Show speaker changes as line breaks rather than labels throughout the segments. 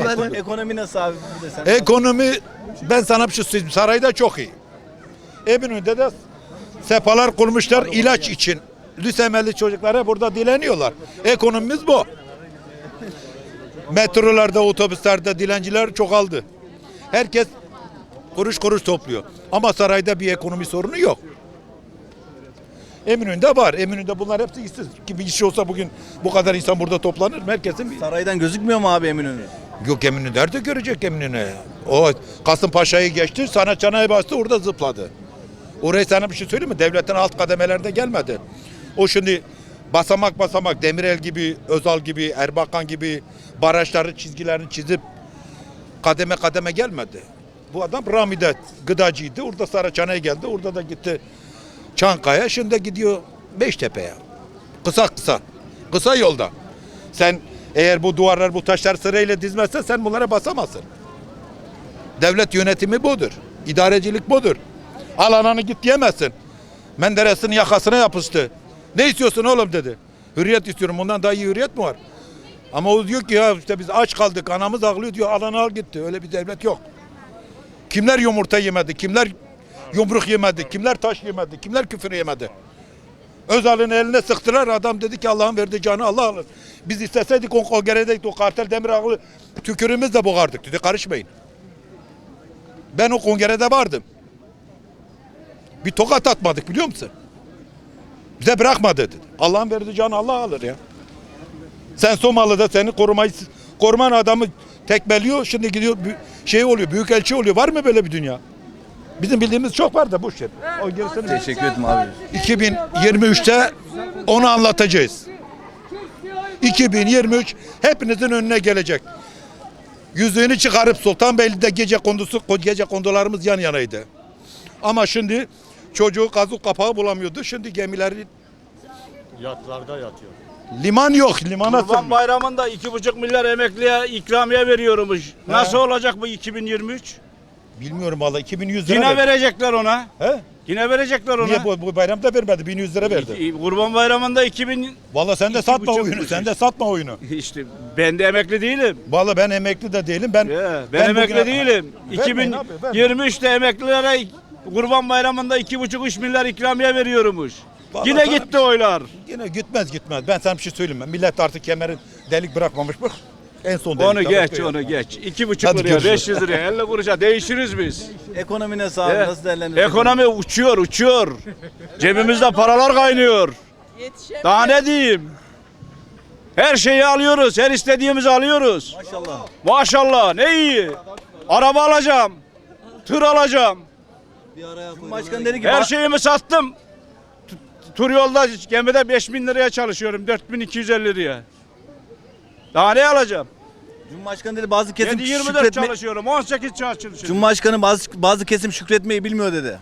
Ekonomi nasıl abi? Bir de sen.
Ekonomi, ben sana bir şey söyleyeyim. Sarayda çok iyi. Eminönü'nde de sepalar kurmuşlar ilaç için. Lüsemelli çocuklara burada dileniyorlar. Ekonomimiz bu. Metrolarda, otobüslerde dilenciler çoğaldı. Herkes kuruş kuruş topluyor. Ama sarayda bir ekonomi sorunu yok. Eminönü'nde var. Eminönü'nde bunlar hepsi işsiz. Ki bir iş olsa bugün bu kadar insan burada toplanır mı? Herkesin bir...
Saraydan gözükmüyor mu abi Eminönü?
Yok, Eminönü nerede görecek Eminönü? O Kasımpaşa'yı geçti, sana çanayı bastı, orada zıpladı. Oraya sana bir şey söyleyeyim mi? Devletin alt kademelerde gelmedi. O şimdi basamak basamak Demirel gibi, Özal gibi, Erbakan gibi barajları, çizgilerini çizip kademe kademe gelmedi. Bu adam Rami'de gıdacıydı. Orada Saraçhane'ye geldi. Orada da gitti Çankaya. Şimdi gidiyor Beştepe'ye. Kısa yolda. Sen eğer bu duvarlar, bu taşlar sırayla dizmezsen sen bunlara basamazsın. Devlet yönetimi budur. İdarecilik budur. Al ananı git diyemezsin. Menderes'in yakasına yapıştı. Ne istiyorsun oğlum dedi. Hürriyet istiyorum. Bundan daha iyi hürriyet mi var? Ama o diyor ki ya işte biz aç kaldık, anamız ağlıyor diyor. Al ananı al gitti. Öyle bir devlet yok. Kimler yumurta yemedi? Kimler yumruk yemedi? Kimler taş yemedi? Kimler küfür yemedi? Özal'ın eline sıktılar. Adam dedi ki Allah'ın verdiği canı Allah alır. Biz isteseydik o kongrede o kartel Demirağlı tükürüğümüzle boğardık dedi. Karışmayın. Ben o kongrede vardım. Bir tokat atmadık biliyor musun? Bize bırakma dedi. Allah'ın verdiği canı Allah alır ya. Sen Somalı'da seni koruman adamı tekmeliyor. Şimdi gidiyor şey oluyor, büyükelçi oluyor. Var mı böyle bir dünya? Bizim bildiğimiz çok var da boş ver. O gerisini
Teşekkür ederim abi.
2023'te onu anlatacağız. 2023 hepinizin önüne gelecek. Yüzüğünü çıkarıp Sultanbeyli'de gece kondularımız yan yanaydı. Ama şimdi çocuğu kazık kapağı bulamıyordu. Şimdi gemileri
Yatlarda yatıyor.
liman yok. Limana
Kurban
sığmıyor.
Bayramı'nda 2,5 milyar emekliye ikramiye veriyormuş. Nasıl olacak bu 2023?
Bilmiyorum valla 2100 lira
Yine
verdi.
verecekler ona.
He?
Yine verecekler ona.
Niye bu bayramda vermedi? 1100 lira verdi.
Kurban Bayramı'nda 2000
Valla sen de satma
2,5
oyunu.
kuruş.
Sen de satma oyunu.
işte ben de emekli değilim.
Valla ben emekli de değilim. Ben
Ben emekli
bugüne-
değilim.
Vermeyin abi, vermeyin.
2023'te emeklilere Kurban Bayramı'nda 2,5-3 milyar ikramiye veriyormuş.
Vallahi
Yine
sana
gitti
bir-
oylar.
Yine gitmez. Ben sana bir şey söyleyeyim. Millet artık kemeri delik bırakmamış bak. En son
Onu
delik
geç,
bırakıyor.
onu geç. 2,5
Hadi
liraya,
görüşürüz.
500 liraya, 50 kuruşa değişiriz biz.
Ekonomi nasıl abi?
Evet.
Nasıl değerlendiriyorsun?
Ekonomi uçuyor. Cebimizde paralar kaynıyor. Daha ne diyeyim? Her şeyi alıyoruz, her istediğimizi alıyoruz.
Maşallah.
Maşallah, ne iyi. Araba alacağım, tır alacağım.
Cumhurbaşkanı dedi ki
Her şeyimi sattım. Tur yolda gemide 5.000 liraya çalışıyorum, 4.250 liraya. Daha ne alacağım?
Cumhurbaşkanı dedi bazı kesim
7-24
şükretme.
çalışıyorum, 18 çalışıyorum.
Cumhurbaşkanı bazı kesim şükretmeyi bilmiyor dedi.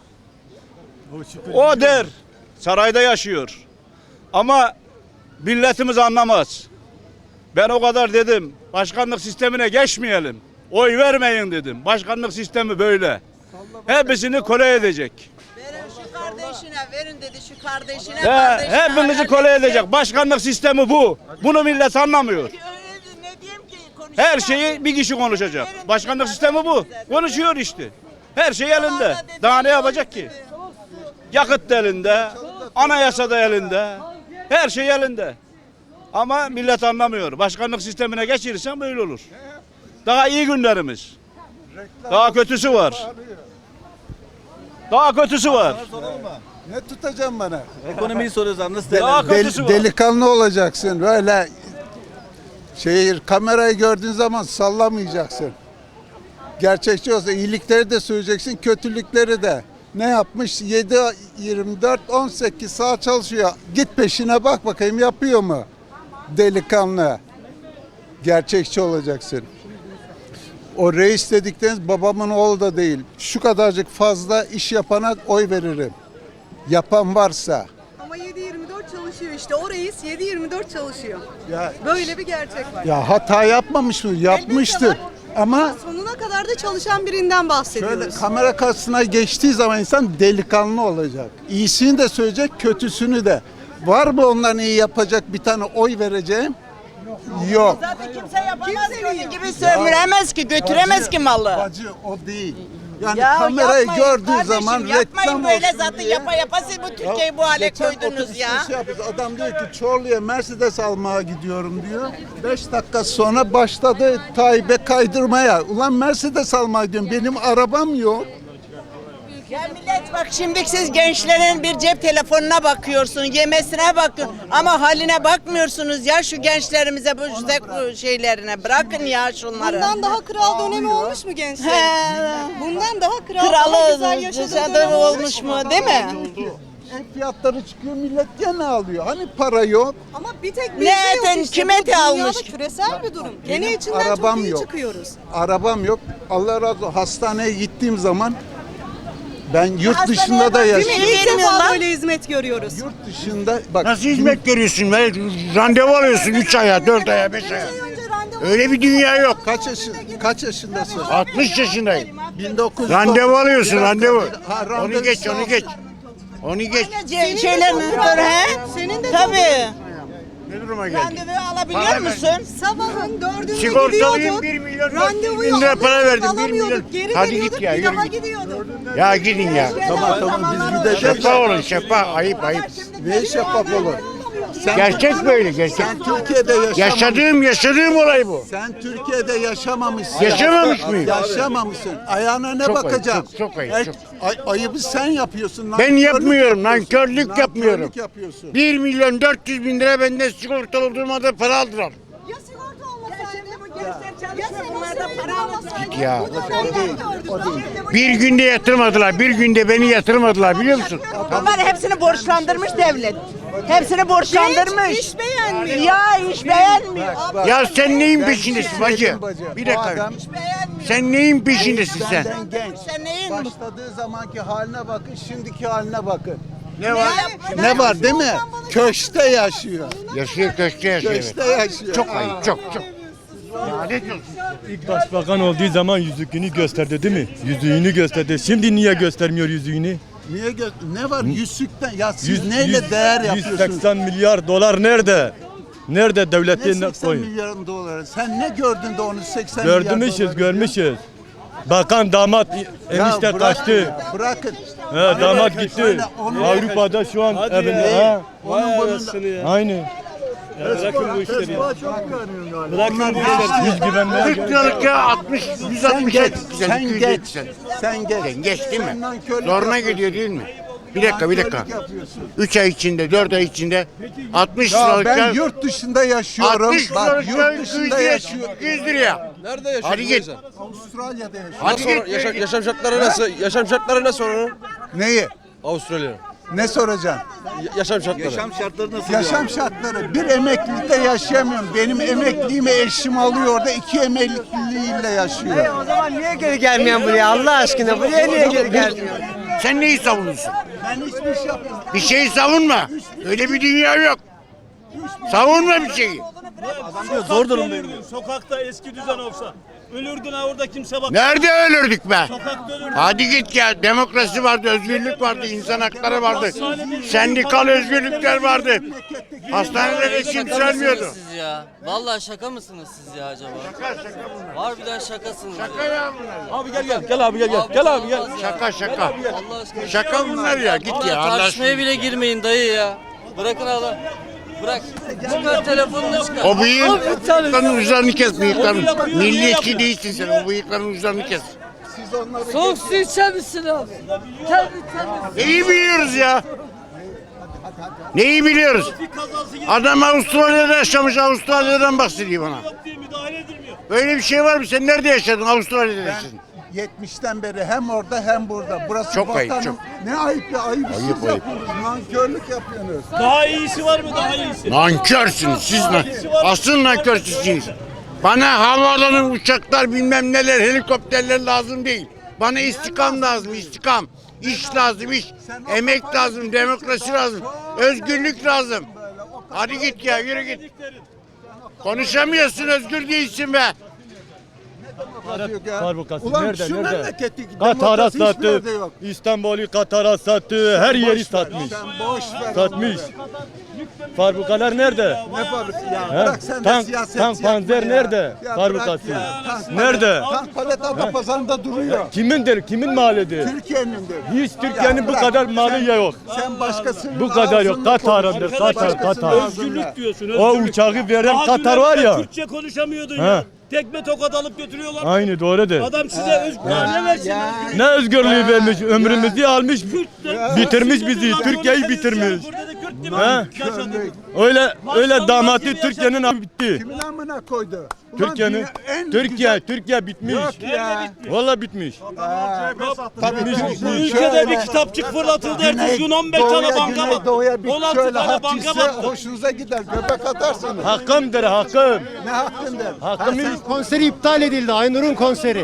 O der, sarayda yaşıyor. Ama milletimiz anlamaz. Ben o kadar dedim, başkanlık sistemine geçmeyelim. Oy vermeyin dedim. Başkanlık sistemi böyle. Hepsini köle edecek.
Verin şu kardeşine, verin dedi şu kardeşine,
Hepinizi köle edecek. Başkanlık sistemi bu. Bunu millet anlamıyor.
Ne diyeyim ki konuşuyor.
Her şeyi bir kişi konuşacak. Başkanlık sistemi bu. Konuşuyor işte. Her şey elinde. Daha ne yapacak ki? Yakıt da elinde, anayasa da elinde, her şey elinde. Ama millet anlamıyor. Başkanlık sistemine geçirirsen böyle olur. Daha iyi günlerimiz. Daha kötüsü var. Daha kötüsü var.
Ne tutacağım bana?
Ekonomiyi soruyoruz abi nasıl
Daha
değerlendiriyorsun?
kötüsü var.
Delikanlı olacaksın. Böyle kamerayı gördüğün zaman sallamayacaksın. Gerçekçi olsa iyilikleri de söyleyeceksin, kötülükleri de. Ne yapmış? 7-24-18 saat çalışıyor. Git peşine bak bakayım yapıyor mu? Delikanlı. Gerçekçi olacaksın. O reis dedikleriniz babamın oğlu da değil. Şu kadarcık fazla iş yapana oy veririm. Yapan varsa.
Ama 7/24 çalışıyor işte. O reis 7/24 çalışıyor.
Ya,
Böyle bir gerçek var.
ya hata yapmamış mı? Yapmıştır.
Elbette var.
Ama
Sonuna kadar da çalışan birinden bahsediyoruz.
şöyle kamera karşısına geçtiği zaman insan delikanlı olacak. İyisini de söyleyecek, kötüsünü de. Var mı onların iyi yapacak bir tane oy vereceğim? Yok.
Zaten kimse yapamaz ki onun gibi sömüremez ki, götüremez ki malı.
Bacı o değil. Yani
Ya
kamerayı
yapmayın
gördüğü
kardeşim,
zaman
yapmayın
reklam
böyle
olsun
zaten
diye.
yapa yapa siz bu Türkiye'yi bu hale
Geçen
koydunuz
otobüste
ya.
şey yapıyoruz, adam diyor ki Çorlu'ya Mercedes almaya gidiyorum diyor. 5 dakika sonra başladı Tayyip'e kaydırmaya. Ulan Mercedes almaya gidiyorum. Benim arabam yok.
Ya millet bak şimdi siz gençlerin bir cep telefonuna bakıyorsun, yemesine bakıyorsun ama haline bakmıyorsunuz ya şu gençlerimize bu şeylerine bırakın ya şunları.
Bundan daha kral dönemi olmuş mu gençler?
He.
Bundan daha kral, daha güzel yaşadığı
Kralı
dönem
olmuş mu değil mi?
Ev fiyatları çıkıyor millet gene alıyor. Hani para yok.
Ama bir tek bizde
Nereden,
yok işte.
kime
Bu dünyada
almış?
küresel bir durum. Gene
Benim
içinden
arabam
çok iyi
yok.
çıkıyoruz.
Arabam yok. Allah razı olsun. Hastaneye gittiğim zaman ben yurt
Hastaneye
dışında da
bak,
Değil mi?
yaşıyorum.
İlk defa
Vermiyorlar.
böyle hizmet görüyoruz.
Yurt dışında bak.
Nasıl hizmet görüyorsun be? Randevu alıyorsun 3 aya, 4 aya, 5 aya. Öyle bir dünya yok.
Kaç yaşındasın?
60 yaşındayım.
1900
Randevu alıyorsun,
Bir dakika,
randevu.
ha, randevu
Onu geç, onu geç. Onu geç.
Şeylerini dur he?
Senin de
Tabii.
Ne duruma geldik?
Randevu alabiliyor
Para
musun?
Sabahın 4'ünde
Sigortalıyım,
gidiyorduk.
1 milyon 400
Randevuyu
bin lira para
alıyorduk,
verdim, 1 milyon.
alamıyorduk, geri
Hadi
veriyorduk,
git ya,
bir
yürü
daha
git.
gidiyorduk.
Ya gidin ya.
Tamam biz gideceğiz.
Şeffaf olun, şeffaf. Ayıp, ayıp.
Ne şeffaf olur? Sen,
Gerçek böyle, gerçek.
sen Türkiye'de
Yaşadığım olay bu.
Sen Türkiye'de yaşamamışsın.
Yaşamamış mıyım?
Yaşamamışsın. Ayağına ne
Çok ayıp,
bakacağım?
çok ayıp, çok.
Ayıbı sen yapıyorsun.
Ben
nankörlük
yapmıyorum,
yapıyorsun.
nankörlük yapmıyorum.
Nankörlük yapıyorsun.
1 milyon 400 bin lira benden sigortalı olduğum halde para aldılar.
Ya sigorta olmasaydı?
Ya bunlarda para almasaydı.
Git ya.
Bu dönemden gördük.
Bir günde yatırmadılar, bir günde beni yatırmadılar biliyor musun?
Bunlar hepsini borçlandırmış devlet. Hepsini borçlandırmış.
İş beğenmiyor.
Ya iş beğenmiyor.
Ya sen neyin
Ben
peşindesin
bir şey
bacı?
söyleyeyim bacı.
Bir
Bu
dakika.
adam
Sen neyin peşindesin sen?
benden genç.
Sen neyin?
Başladığı zamanki haline bakın, şimdiki haline bakın.
Ne var?
Ne var değil mi? Köşte yaşıyor.
Yaşıyor, köşkte yaşıyor. evet.
Köşte yaşıyor.
Çok ayıp, çok. Ya ne diyorsun?
İlk başbakan olduğu zaman yüzüğünü gösterdi değil mi? Yüzüğünü gösterdi. Şimdi niye göstermiyor yüzüğünü?
Niye ne var yüzükten? Ya siz neyle değer yapıyorsunuz?
180 milyar dolar nerede? Nerede
Ne
devletin
80
koyun?
milyar doları? Sen ne gördün de onu 80 milyar
Görmüşüz,
doları
görmüşüz. Bakan damat
Ya
enişte
bırakın
kaçtı.
ya, bırakın.
He, damat gitti.
Söyle, onu-
Avrupa'da şu an evinde. Ha?
Onun bunun
Aynı.
bırakın bu işleri ya. Bırakın bu
Hiç güvenmeye
40 liralık ya 60,
Sen
160
geç,
sen,
sen
200
geç,
sen.
sen geç.
Sen geç değil mi?
Sen nankörlük
Zoruna
yapıyorsun.
gidiyor değil mi? Bir dakika, bir dakika.
Nankörlük yapıyorsun.
3 ay içinde, 4 ay içinde 60
Ya
liralık
ben
ya.
yurt dışında yaşıyorum.
60
Bak
liralık ya
yurt
200
dışında
liraya.
yaşıyorum.
200 liraya.
Nerede yaşıyorsun?
Hadi git.
Avustralya'da yaşıyorum.
Hadi git.
Yaşam şartları nasıl? Yaşam şartları nasıl oranın?
Neyi?
Avustralya.
Ne soracaksın?
Yaşam şartları.
Yaşam şartları nasıl?
Yaşam şartları. Bir emeklilikte yaşayamıyorum. Benim emekliliğimi eşim alıyor orada 2 emekliliğiyle yaşıyor.
O zaman niye geri gelmeyen buraya Allah aşkına? Buraya niye geri gelmiyor?
Sen neyi savunuyorsun?
Ben hiçbir şey yapmıyorum.
Bir şeyi savunma. Öyle bir dünya yok. Savunma bir şeyi.
Zor durumdayım.
Sokakta eski düzen olsa. Ölürdün ha orada kimse bak.
Nerede ölürdük be?
Sokakta ölürdün.
Hadi git ya. Demokrasi vardı, özgürlük vardı, insan hakları vardı. Sendikal özgürlükler vardı. Hastanelere kimse ölmüyordu.
Siz ya. Vallahi şaka mısınız siz ya acaba? Harbiden şakasınız.
Şaka
ya.
ya bunlar.
Abi gel abi gel. Gel abi gel.
olmaz ya.
Şaka şaka.
Allah aşkına.
Şaka bunlar ya. Git
Vallahi
ya. Allah
tartışmaya
aşkına.
bile girmeyin dayı ya. Bırakın Allah. Bırak. Çıkar telefonunu çıkar.
O bıyıkların uçlarını kes bıyıkların. Milliyetçi değilsin sen. O bıyıkların uçlarını kes.
Soğuk su içer misin abi?
Neyi biliyoruz ya? Neyi biliyoruz? Adam Avustralya'da yaşamış, Avustralya'dan bahsediyor bana. Böyle bir şey var mı? Sen nerede yaşadın? Avustralya'da yaşadın.
70'ten beri hem orada hem burada. Burası
Çok ayıp,
vatanım.
çok.
Ne ayıp ya, ayıp siz
Ayıp, ayıp.
yapıyorsunuz. Nankörlük yapıyorsunuz.
Daha iyisi var mı daha iyisi?
Nankörsünüz siz. Asıl nankörsünüz. Bana havaalanı, uçaklar, bilmem neler, helikopterler lazım değil. Bana istikam lazım, istikam. İş lazım, iş. Emek lazım, demokrasi lazım. Özgürlük lazım. Hadi git ya, yürü git. Konuşamıyorsun, özgür değilsin be.
Fabrikası
Ulan
nerede?
şu
Nerede?
memleketi
Katar'a
demokrasi hiçbir
sattı.
yerde yok.
İstanbul'u Katar'a sattı. Her yeri satmış.
Sen boş ver.
Satmış. Fabrikalar nerede?
Ne fabrikası ya?
He?
Bırak sen de
Tank,
siyaset
tank
yapma
panzer
ya.
nerede?
Ya
Fabrikası.
bırak ya. Tank
Nerede?
Tank palet Adapazarı'nda duruyor.
Kimindir? Kimin malidir?
Türkiye'nindir.
Hiç Türkiye'nin
Ya
bu
bırak.
kadar malı yok.
Sen başkasının
Bu kadar yok.
ağzında
Katar'ındır.
konuş.
Katar,
Başkasının
Katar.
ağzında.
Özgürlük diyorsun.
O
Özgürlük.
uçağı veren
Daha
Katar
dün
var ya.
Türkçe konuşamıyordun
He.
ya. Tekme tokat alıp götürüyorlar.
Aynı doğrudur.
Adam size ne versin?
Ne özgürlüğü vermiş, ömrümüzü almış, bitirmiş bizi, Türkiye'yi bitirmiş.
Burada da Kürt değil mi?
He?
Yaşadık.
Öyle damatı Türkiye'nin abi bitti.
Kimin amına koydu? Ulan
Türkiye'nin,
dünya en güzel-
Türkiye bitmiş.
Yok ya.
Vallahi bitmiş.
Tabii
Bu ülkede bir kitapçık fırlatıldı. Ertesi gün 15 tane banka var.
Doğuya bir
16
şöyle
tane
hak
banka
gitse
battı.
hoşunuza gider. Göbek atarsınız.
Hakkımdır, hakkım.
Ne hakkındır?
Hakkım hiç.
Konseri iptal edildi. Aynur'un konseri.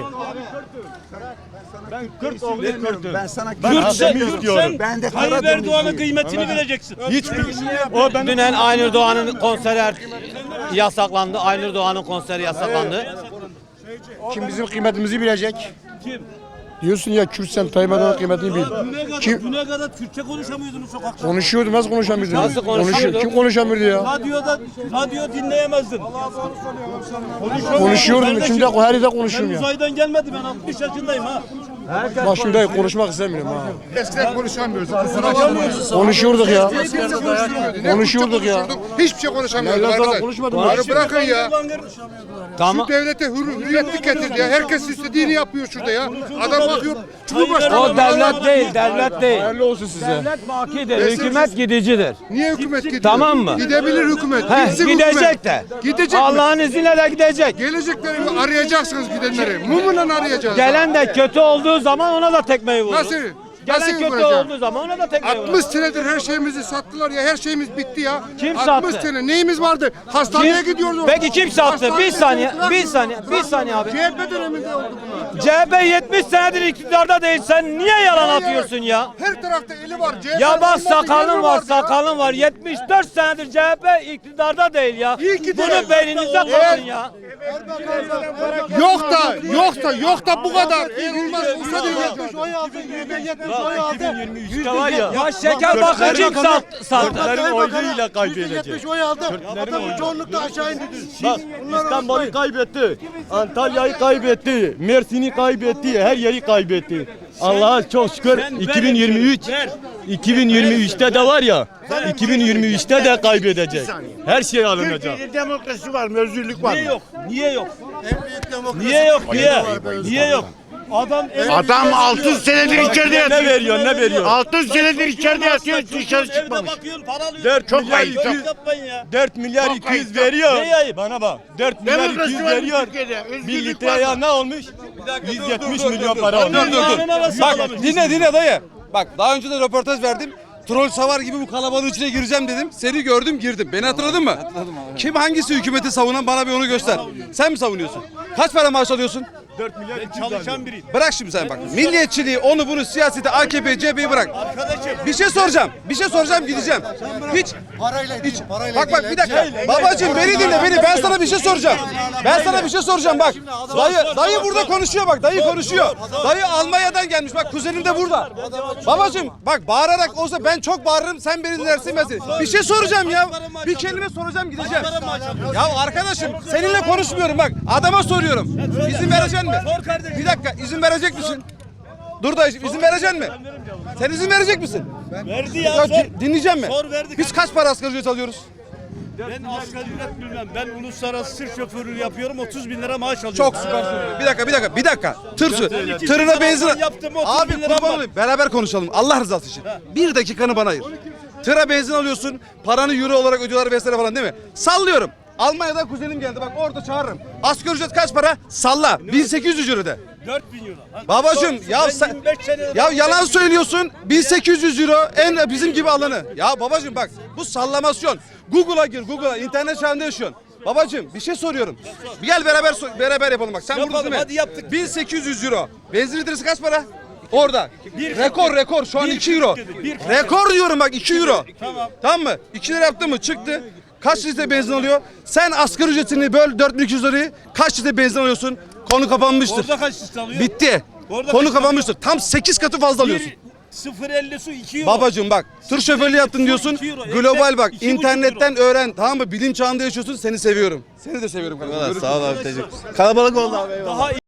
Ben Kürt oğlu Kürt'üm.
Ben sana
Ben
Kürtsen,
hakkımı istiyorum.
Kürtsen
Ben de
Tayyip
Karadenizliyim.
Erdoğan'ın kıymetini bileceksin.
Hiçbir o benim
Dünen Aynur Doğan'ın konseri yasaklandı. Aynur Doğan'ın konseri yasaklandı.
Kim bizim kıymetimizi bilecek?
Kim?
Diyorsun ya Kürtsen Tayyip Erdoğan'ın kıymetini bil.
Düne kadar Türkçe konuşamıyordunuz sokakta.
Konuşuyordu, nasıl konuşamıyordu?
Nasıl konuşuyordu?
Kim konuşamıyordu ya?
Radyo dinleyemezdin.
Konuşuyordum,
Kardeşim,
şimdi her yerde
Ben
konuşuyorum ya.
uzaydan gelmedi, ben 60 yaşındayım ha.
Bak şimdi konuşmak istemiyorum ha.
Eskiden konuşamıyorduk.
Konuşuyorduk ya. Konuşuyorduk ya.
Hiçbir şey konuşamıyorduk.
Nereden sonra
arkadaş.
konuşmadım
Bunu
ya.
bırakın ya.
Tamam.
Şu devlete hürriyetlik getirdi ya. Herkes istediğini yapıyor şurada ya. Adam bakıyor. Cumhurbaşkanı.
O devlet değil, devlet değil.
Hayırlı olsun size.
Devlet bakidir, hükümet gidicidir.
Niye hükümet gidiyor?
Tamam mı?
Gidebilir hükümet.
He,
Gitsin
gidecek
hükümet.
de.
Gidecek mi?
Allah'ın izniyle de gidecek.
Gelecekleri arayacaksınız gidenleri. Mumla arayacağız.
Gelen de kötü olduğu zaman ona da tekmeyi vurur.
Nasıl?
Gelen
Nasıl
kötü
vuracağım?
olduğu zaman ona da tekmeyi vurur.
60 senedir her şeyimizi sattılar ya. Her şeyimiz bitti ya.
Kim
60
sattı?
sene neyimiz vardı? Hastaneye gidiyorduk.
Peki kim sattı?
Hastaneye
Bir saniye,
gittiler.
bir saniye abi.
CHP döneminde oldu bunlar.
CHP 70 senedir iktidarda değil. Sen niye yalan atıyorsun ya?
Her tarafta eli var. CHP
Ya bak
olmadı,
sakalın
yeri
var,
ya.
sakalın var. 74 senedir CHP iktidarda değil ya.
İyi ki de.
Bunu beyninize koyun ya.
Yok da bu kadar. Olmaz. Olsa değil.
2023'te var ya.
Ya şeker bakın kim sattı?
Kürtlerin oyuyla kaybedecek.
oy aldı. Adamın çoğunlukla aşağı indi.
Bak İstanbul'u kaybetti. Antalya'yı kaybetti. Mersin'i kaybetti. Her yeri kaybetti. Allah'a çok şükür 2023'te de var ya 2023'te de kaybedecek. Her şey alınacak.
Türkiye'de demokrasi var mı? Özgürlük var mı?
Niye yok? Niye yok? Niye yok? Niye? Niye yok?
Adam 6 senedir içeride
Ne
yatıyor.
veriyor ne veriyor?
6 senedir içeride yatıyor, dışarı
Evde
çıkmamış.
bakıyorsun, para alıyorsun.
4
Çok
milyar
ayıp,
200
Yapmayın ya.
4 milyar
Çok
200
ayıp.
veriyor.
Ne ayıp?
Bana bak. 4 milyar
Demokrasi
200
var mı
veriyor.
Türkiye'de?
1
Özgürlük var
litreye
mı?
ne olmuş? 170 milyon para olmuş.
Bak
Dinle dayı. Bak daha önce de röportaj verdim. Troll savar gibi bu kalabalığın içine gireceğim dedim. Seni gördüm girdim. Beni hatırladın mı? Hatırladım abi. Kim hangisi hükümeti savunan bana bir onu göster. Sen mi savunuyorsun? Kaç para maaş alıyorsun?
4 milyar 200
çalışan biriyim.
Bırak şimdi sen bak. Milliyetçiliği onu bunu siyaseti AKP CHP'yi bırak.
Arkadaşım.
Bir şey soracağım. Bir şey soracağım gideceğim. Hiç. Hiç. Bak bir dakika. Babacığım beni dinle beni. Ben sana bir şey soracağım. Ben sana bir şey soracağım bak. Dayı burada konuşuyor bak. Dayı konuşuyor. Dayı Almanya'dan gelmiş. Bak kuzenim de burada. Babacığım bak bağırarak olsa ben çok bağırırım. Sen beni dinlersin ben seni. Bir şey soracağım ya. Bir kelime soracağım gideceğim. Ya arkadaşım seninle konuşmuyorum bak. Adama soruyorum. İzin vereceksin mi? Bir dakika izin verecek misin? Dur da izin vereceksin mi? Sen izin verecek misin?
Verdi ya, sor.
Dinleyeceğim mi?
Sor, verdik.
Biz kaç para asgari ücret alıyoruz?
Ben asgari ücret bilmem. Ben uluslararası tır şoförlüğü yapıyorum. 30 bin lira maaş alıyorum.
Çok süper. Bir dakika. Tırına benzin.
Yaptım, 30
Abi
bin lira
kurban
var.
olayım. Beraber konuşalım. Allah rızası için. Bir dakikanı bana ayır. Tıra benzin alıyorsun. Paranı euro olarak ödüyorlar vesaire falan değil mi? Sallıyorum. Almanya'dan kuzenim geldi. Bak orada çağırırım. Asgari ücret kaç para? Salla. 1800 euro de.
4 bin euro.
Babacım ya
Ben
sen
25 senedir-
ya yalan söylüyorsun. 1800 euro en bizim gibi alanı. Ya babacım bak bu sallamasyon. Google'a gir Google'a internet çağında yaşıyorsun. Babacım bir şey soruyorum. Bir gel beraber yapalım bak. Sen
Yapalım,
buradasın değil mi?
hadi yaptık.
1800 euro. Benzin litresi kaç para? Orada. Rekor şu an 2 euro.
Bir-
Rekor diyorum bak 2 euro.
Tamam.
Tamam mı? 2 lira yaptı mı? Çıktı. Kaç litre benzin alıyor? Sen asgari ücretini böl 4200 lirayı kaç litre benzin alıyorsun? Konu kapanmıştır.
Orada kaç litre alıyor?
Bitti.
Orada
Konu
kaç
kapanmıştır. Tam 8 katı fazla alıyorsun.
0.50 su 2 euro.
Babacım bak tır şoförlüğü yaptın diyorsun.
2 euro.
Global bak
2,5
internetten öğren tamam mı? Bilim çağında yaşıyorsun. Seni seviyorum. Seni de seviyorum.
Sağ ol abi teşekkür. Kalabalık oldu abi.
Daha